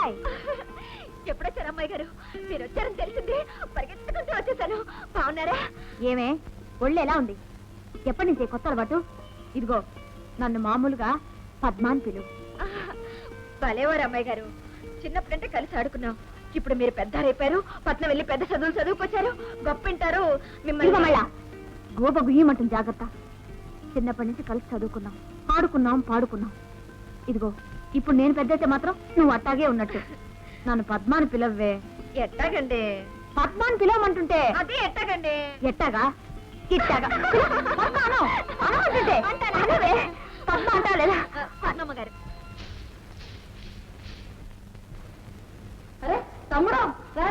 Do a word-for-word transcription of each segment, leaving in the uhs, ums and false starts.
అమ్మాయి ఎప్పుడొచ్చారు అమ్మాయి గారు? మీరు వచ్చారని తెలిసింది పరిగెత్తుకుంటూ వచ్చేసాను. బాగున్నారా? ఏమే ఒళ్ళు ఎలా ఉంది? ఎప్పటి నుంచి కొత్త అలవాటు? ఇదిగో నన్ను మామూలుగా పద్మాన్ పిలువు. భలేవారు అమ్మాయి గారు, చిన్నప్పుడంటే కలిసి ఆడుకున్నాం. ఇప్పుడు మీరు పెద్దారైపోయారు, పట్నం వెళ్ళి పెద్ద చదువులు చదువుకొచ్చారు, గొప్పింటారు. మిమ్మల్ని గోప గుయ్యమంటుంది, జాగ్రత్త. చిన్నప్పటి నుంచి కలిసి చదువుకున్నాం, ఆడుకున్నాం, పాడుకున్నాం. ఇదిగో ఇప్పుడు నేను పెద్దయితే మాత్రం నువ్వు అట్టాగే ఉన్నట్టు. నన్ను పద్మాని పిలవ్వే. ఎట్టాగండి? పద్మాని పిలవమంటుంటే అదే ఎట్టాగండి? ఎట్టాగా ఇట్టాగా అంటుంటే పద్మ అంటా లేదా? పద్మమ్మ గారు. అరే తమ్ముడు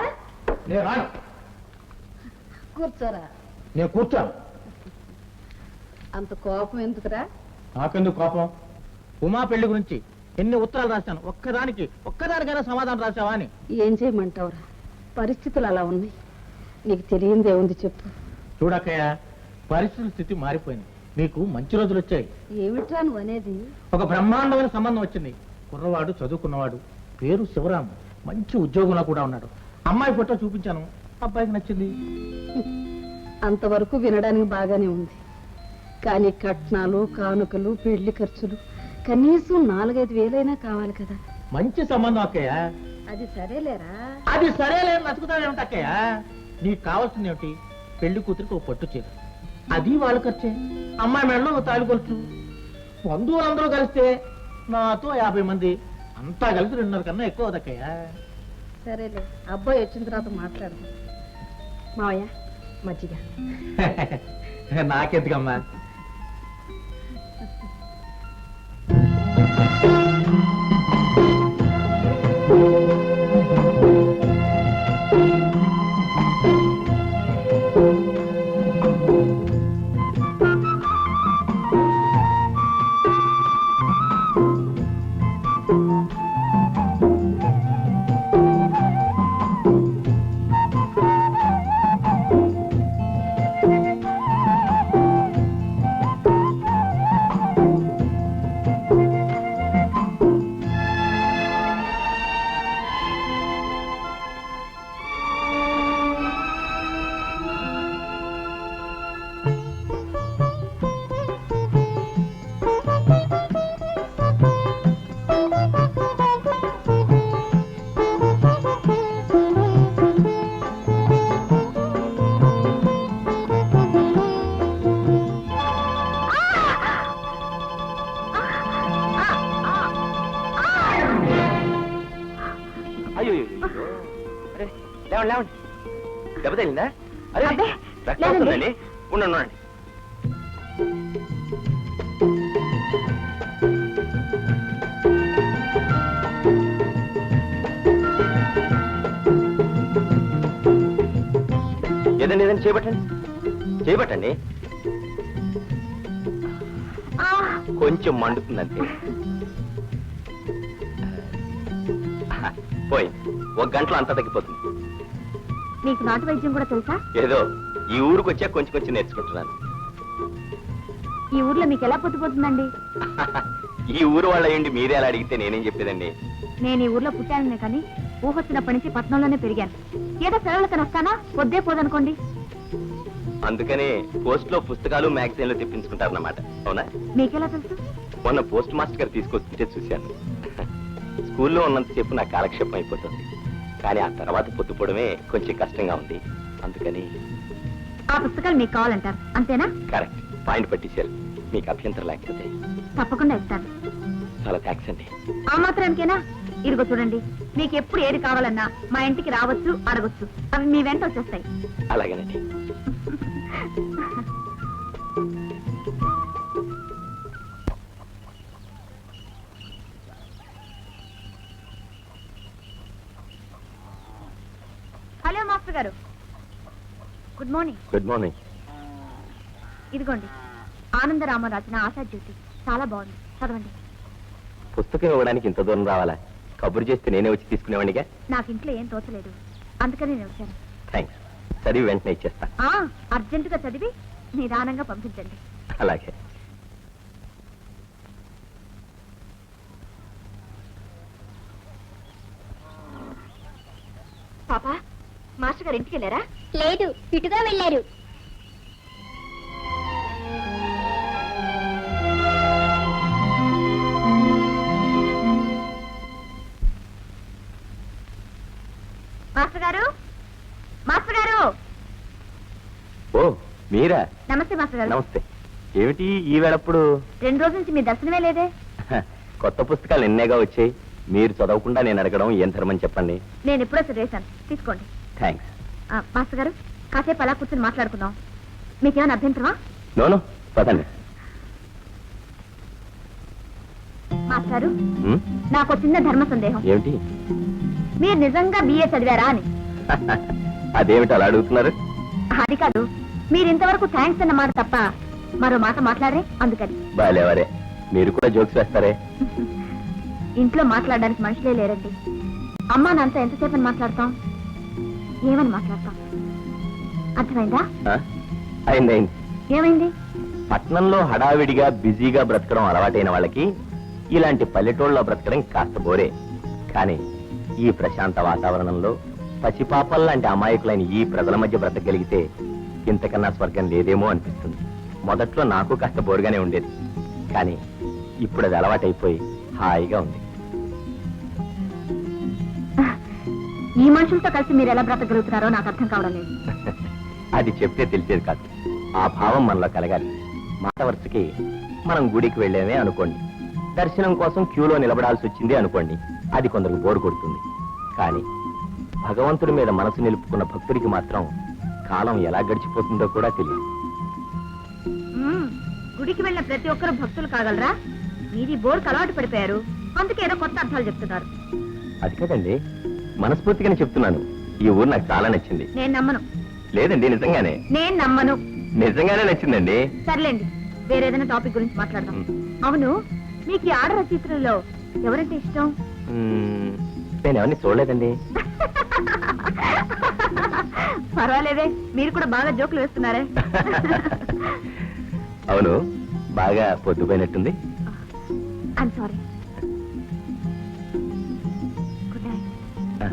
కూర్చోరా. నేను కూర్చోను. అంత కోపం ఎందుకురా? నాకెందుకు కోపం? ఉమా పెళ్లి గురించి ఎన్ని ఉత్తరాలు రాశాను, ఒక్కదానికి ఒక్కదానికైనా సమాధానం రాశావా అని. ఏం చేయమంటావురా, పరిస్థితులు అలా ఉన్నాయి. నీకు తెలియందే ఉంది చెప్పు. చూడక్కయ్య, పరిస్థితుల స్థితి మారిపోయింది. మీకు మంచి రోజులు వచ్చాయి. ఏమిట్రా నువ్వు అనేది? ఒక బ్రహ్మాండమైన సంబంధం వచ్చింది. కుర్రవాడు, చదువుకున్నవాడు, పేరు శివరాము, మంచి ఉద్యోగంలో కూడా ఉన్నాడు. అమ్మాయి ఫోటో చూపించాను, అబ్బాయికి నచ్చింది. అంతవరకు వినడానికి బాగానే ఉంది, కానీ కట్నాలు, కానుకలు, పెళ్లి ఖర్చులు కనీసం నాలుగైదు వేలైనా కావాలి కదా. మంచి సంబంధం అక్కయ్య. అది సరేలేరా? అది సరేలే, నచ్చుకుతావేమిటి అక్కయ్య? నీకు కావాల్సింది ఏమిటి? పెళ్లి కూతురికి ఒక పట్టు చీర, అది వాళ్ళు ఖర్చే. అమ్మాయి మెడలో ఒక తాళి కొలుచు. బంధువులందరూ కలిస్తే నాతో యాభై మంది, అంతా కలిసి రెండున్నర కన్నా ఎక్కువ అదక్కయ్య. సరేలే, అబ్బాయి వచ్చిన తర్వాత మాట్లాడదాం. మావయ్య మజ్జిగ. నాకెందుకమ్మా? దెబ్బ తగిలిందా? అదే రక్తం వస్తుందండి. ఉండండి. ఏదండి ఏదండి చేయబట్టండి, చేయబట్టండి. కొంచెం మండుతుందంతే. పోయి ఒక గంటలో అంతా తగ్గిపోతుంది. నీకు నాటు వైద్యం కూడా తెలుసా? ఏదో ఈ ఊరికి వచ్చా కొంచెం కొంచెం నేర్చుకుంటున్నాను. ఈ ఊర్లో మీకు ఎలా పొద్దుపోతుందండి? ఈ ఊరు వాళ్ళ ఏంటి మీరే అలా అడిగితే నేనేం చెప్పేదండి? నేను ఈ ఊర్లో పుట్టాననే కానీ ఊహొచ్చినప్పటి నుంచి పట్నంలోనే పెరిగాను. ఏదో సెలవులకని వస్తానా, పొద్దే పోదనుకోండి. అందుకనే పోస్ట్ లో పుస్తకాలు మ్యాగజైన్లు తెప్పించుకుంటారన్నమాట. అవునా? మీకెలా తెలుసు? మొన్న పోస్ట్ మాస్టర్ గారు తీసుకొస్తుంటే చూశాను. స్కూల్లో ఉన్నంత చెప్పు నాకు కాలక్షేపం అయిపోతుంది, కానీ ఆ తర్వాత పొద్దుపోవడమే కొంచెం కష్టంగా ఉంది. అందుకని ఆ పుస్తకాలు మీకు కావాలంటారు, అంతేనా? కరెక్ట్, పాయింట్ పట్టించారు. మీకు అభ్యంతరం లేకపోతే తప్పకుండా ఇస్తాను. చాలా థ్యాంక్స్ అండి. ఆ మాత్రానికేనా? ఇదిగో చూడండి, మీకు ఎప్పుడు ఏది కావాలన్నా మా ఇంటికి రావచ్చు, అడగొచ్చు. అవి మీ వెంట వచ్చేస్తాయి. అలాగేనండి. హలో మాస్టర్ గారు, గుడ్ మార్నింగ్. Good morning. ఇదిగోండి, ఆనందరామ రచన ఆశాజ్యోతి, చాలా బాగుంది, చదవండి. పుస్తకం ఇవ్వడానికి ఇంత దూరం రావాలా? కబురు చేస్తే నేనే వచ్చి తీసుకునేవాడిగా. నాకు ఇంట్లో ఏం తోచలేదు, అందుకని నేను వచ్చాను. థ్యాంక్స్. చదివి వెంటనే ఇచ్చేస్తా. అర్జెంటుగా చదివి నిదానంగా పంపించండి. అలాగే. మాస్టర్ గారు ఇంటికి వెళ్ళారా? లేదు, ఇటుగా వెళ్ళారు. మాస్టర్ గారు, మాస్టర్ గారు. ఓ మీరా? నమస్తే మాస్టర్ గారు. నమస్తే. ఏమిటి ఈ వేళప్పుడు? రెండు రోజుల నుంచి మీ దర్శనమే లేదే. కొత్త పుస్తకాలు ఎన్నేగా వచ్చాయి, మీరు చదవకుండా నేను అడగడం ఏం ధర్మని చెప్పండి. నేను ఎప్పుడో చదివేశాను, తీసుకోండి. థ్యాంక్స్. ఆ, మాస్టర్ గారు కాసేపు అలా కూర్చొని మాట్లాడుకుందాం. మీకేమైనా అభ్యంతరమా? నోను పదండి. మాస్టర్ గారు, ఉమ్, నాకు ఒక చిన్న ధర్మ సందేహం. ఏమిటి? మీరు నిజంగా బిఏ చదివారా అని. అదేమిటి అలా అడుగుతున్నారు? అది కాదు, మీరు ఇంతవరకు థ్యాంక్స్ అన్న మాట తప్ప మరో మాట మాట్లాడరే, అందుకని. బాలేవరే, మీరు కూడా జోక్స్ వేస్తారే. ఇంట్లో మాట్లాడడానికి మనుషులే లేరండి. అమ్మా నాన్నతో ఎంతసేపు అని మాట్లాడతాం, ఏమని మాట్లాడతాం? అర్థమైందా? ఆ? అయింది అయింది. ఏమైంది? పట్నంలో హడావిడిగా బిజీగా బ్రతకడం అలవాటైన వాళ్ళకి ఇలాంటి పల్లెటూళ్ళలో బ్రతకడం కాస్త బోరే. కానీ ఈ ప్రశాంత వాతావరణంలో పసిపాపల్ లాంటి అమాయకులైన ఈ ప్రజల మధ్య బ్రతకగలిగితే ఇంతకన్నా స్వర్గం లేదేమో అనిపిస్తుంది. మొదట్లో నాకు కాస్త బోరుగానే ఉండేది, కానీ ఇప్పుడు అది అలవాటైపోయి హాయిగా ఉంది. ఈ మనుషులతో కలిసి మీరు ఎలా బ్రతకగలుగుతున్నారో నాకు అర్థం కావడం లేదు. అది చెప్తే తెలిసేది కాదు, ఆ భావం మనలో కలగాలి. మాట వరుసకి మనం గుడికి వెళ్ళామే అనుకోండి, దర్శనం కోసం క్యూలో నిలబడాల్సి వచ్చింది అనుకోండి, అది కొందరికి బోరు కొడుతుంది. కానీ భగవంతుడి మీద మనసు నిలుపుకున్న భక్తుడికి మాత్రం కాలం ఎలా గడిచిపోతుందో కూడా తెలియదు. మ్మ్. గుడికి వెళ్ళిన ప్రతి ఒక్కరు భక్తులు కాగలరా? మీది బోర్కు అలవాటు పడిపోయారు, అందుకే ఏదో కొత్త అర్థాలు చెప్తున్నారు. అది కదండి, మనస్ఫూర్తిగానే చెప్తున్నాను. ఈ ఊరు నాకు చాలా నచ్చింది. నేను నమ్మను. లేదండి, నిజంగానే నేను నమ్మను. నిజంగానే నచ్చిందండి. సర్లేండి, వేరేదైనా టాపిక్ గురించి మాట్లాడదాం. అవును, మీకు ఈ ఆడ రచయిత్రుల్లో ఎవరంటే ఇష్టం? మ్మ్, నేను ఎవరిని చూడలేదండి. పర్వాలేదే, మీరు కూడా బాగా జోకులు వేస్తున్నారే. అవును, బాగా పొద్దుపోయినట్టుంది. I'm sorry. Good night. ఆ.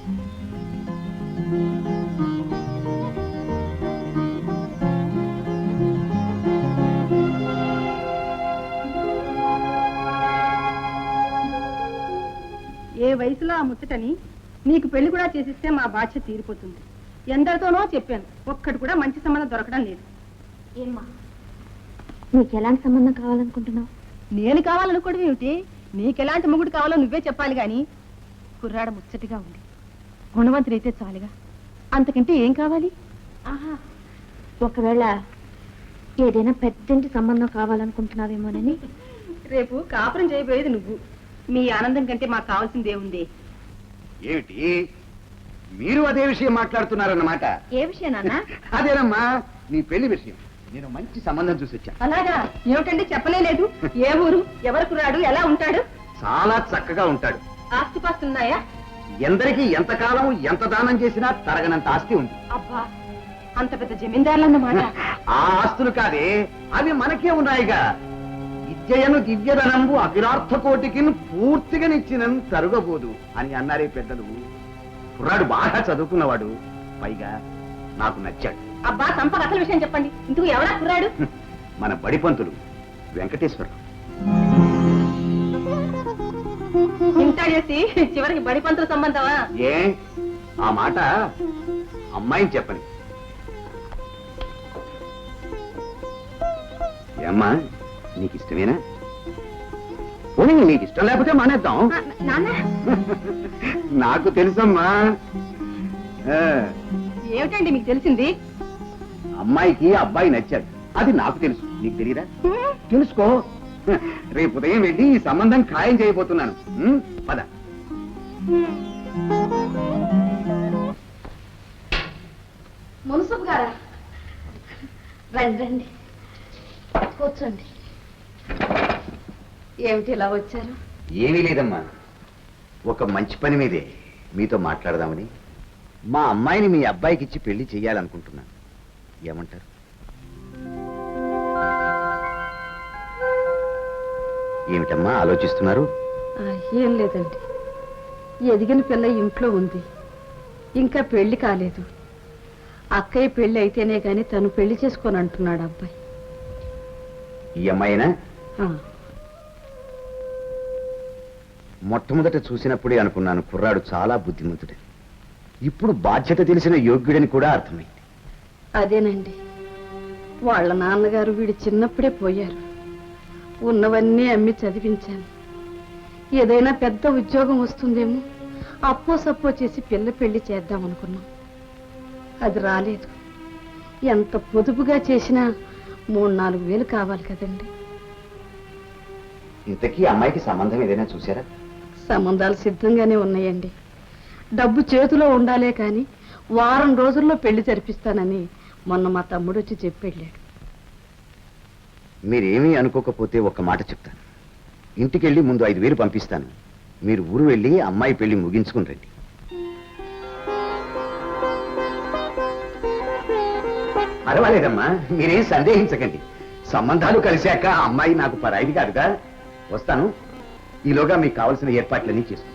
ఏ వయసులో ఆ ముచ్చటని నీకు పెళ్లి కూడా చేసిస్తే మా బాధ్యత తీరిపోతుంది. ఎందరితోనో చెప్పాను, ఒక్కటి కూడా మంచి సంబంధం దొరకడం లేదు. ఏమ్మా, నీకు ఎలాంటి సంబంధం కావాలనుకుంటున్నావు? నేను కావాలనుకోవడం ఏమిటి? నీకెలాంటి మొగుడు కావాలో నువ్వే చెప్పాలి గాని. కుర్రాడ ముచ్చటిగా ఉంది, గుణవంతుడైతే చాలుగా, అంతకంటే ఏం కావాలి? ఆహా, ఒకవేళ ఏదైనా పెద్దంటి సంబంధం కావాలనుకుంటున్నావేమోనని. రేపు కాపురం చేయబోయేది నువ్వు. మీ ఆనందం కంటే మాకు కావాల్సింది ఏముంది? ఏమిటి మీరు అదే విషయం మాట్లాడుతున్నారన్నమాట? ఏ విషయం నాన్న? అదేనమ్మా, నీ పెళ్లి విషయం. నేను మంచి సంబంధం చూసి వచ్చా. అలాగా? ఏమిటండి చెప్పలేదు? ఏ ఊరు, ఎవరు కుర్రాడు, ఎలా ఉంటాడు? చాలా చక్కగా ఉంటాడు. ఆస్తిపాస్తున్నాయా? ఎందరికీ ఎంతకాలం ఎంత దానం చేసినా తరగనంత ఆస్తి ఉంది. అబ్బా, అంత పెద్ద జమీందారులన్నమాట. ఆ ఆస్తులు కాదే, అవి మనకే ఉన్నాయిగా. విద్యయను దివ్యధనంబు అఖిలార్థ కోటికి పూర్తిగా నిచ్చినను తరుగబోదు అని అన్నారే పెద్దలు. కుర్రాడు బాగా చదువుకున్నవాడు, పైగా నాకు నచ్చాడు. అబ్బా, సంపద అసలు విషయం చెప్పండి. ఇందుకు ఎవరా కుర్రాడు? మన బడిపంతులు వెంకటేశ్వరరావు. ఇంత చేసి చివరికి బడిపంతుల సంబంధమా? ఏ ఆ మాట అమ్మాయిని చెప్పని. ఏమ్మా, నీకు ఇష్టమేనా? పోనీ నీకు ఇష్టం లేకపోతే మానేద్దాం. నాన్న, నాకు తెలుసమ్మా. ఆ, ఏమిటండి మీకు తెలిసింది? అమ్మాయికి అబ్బాయి నచ్చాడు, అది నాకు తెలుసు. నీకు తెలియదా? తెలుసుకో. రేపు ఉదయం వెళ్ళి ఈ సంబంధం ఖాయం చేయబోతున్నాను. ఉం? పద. మున్సబ్ గారా, రండి రండి, కూర్చోండి. ఏమిటి ఇలా వచ్చారు? ఏమీ లేదమ్మా, ఒక మంచి పని మీదే మీతో మాట్లాడదామని. మా అమ్మాయిని మీ అబ్బాయికి ఇచ్చి పెళ్లి చెయ్యాలనుకుంటున్నాను. ఏమంటారు? ఏమిటమ్మా ఆలోచిస్తున్నారు? ఏం లేదండి, ఎదిగిన పిల్ల ఇంట్లో ఉంది, ఇంకా పెళ్లి కాలేదు. అక్కయ్య పెళ్లి అయితేనే గాని తను పెళ్లి చేసుకొని అంటున్నాడు అబ్బాయి. ఈ అమ్మాయినా ఆ, మొట్టమొదట చూసినప్పుడే అనుకున్నాను కుర్రాడు చాలా బుద్ధిమంతుడే. ఇప్పుడు బాధ్యత తెలిసిన యోగ్యుడని కూడా అర్థమైంది. అదేనండి, వాళ్ళ నాన్నగారు వీడు చిన్నప్పుడే పోయారు. ఉన్నవన్నీ అమ్మి చదివించాను. ఏదైనా పెద్ద ఉద్యోగం వస్తుందేమో అప్పో సప్పో చేసి పిల్ల పెళ్లి చేద్దాం అనుకున్నాం. అది రాలేదు. ఎంత పొదుపుగా చేసినా మూడు నాలుగు వేలు కావాలి కదండి. ఇంతకీ అమ్మాయికి సంబంధం ఏదైనా చూసారా? సంబంధాలు సిద్ధంగానే ఉన్నాయండి. డబ్బు చేతిలో ఉండాలే కాని వారం రోజుల్లో పెళ్లి జరిపిస్తానని మొన్న మా తమ్ముడు వచ్చి చెప్పెళ్ళాడు. మీరేమీ అనుకోకపోతే ఒక్క మాట చెప్తాను. ఇంటికెళ్ళి ముందు ఐదు వేలు పంపిస్తాను. మీరు ఊరు వెళ్ళి అమ్మాయి పెళ్లి ముగించుకుని రండి. పర్వాలేదమ్మా, మీరేం సందేహించకండి. సంబంధాలు కలిశాక అమ్మాయి నాకు పరాయిది కాదుగా. వస్తాను. ఈలోగా మీకు కావలసిన ఏర్పాట్లన్నీ చేసుకుంటాను.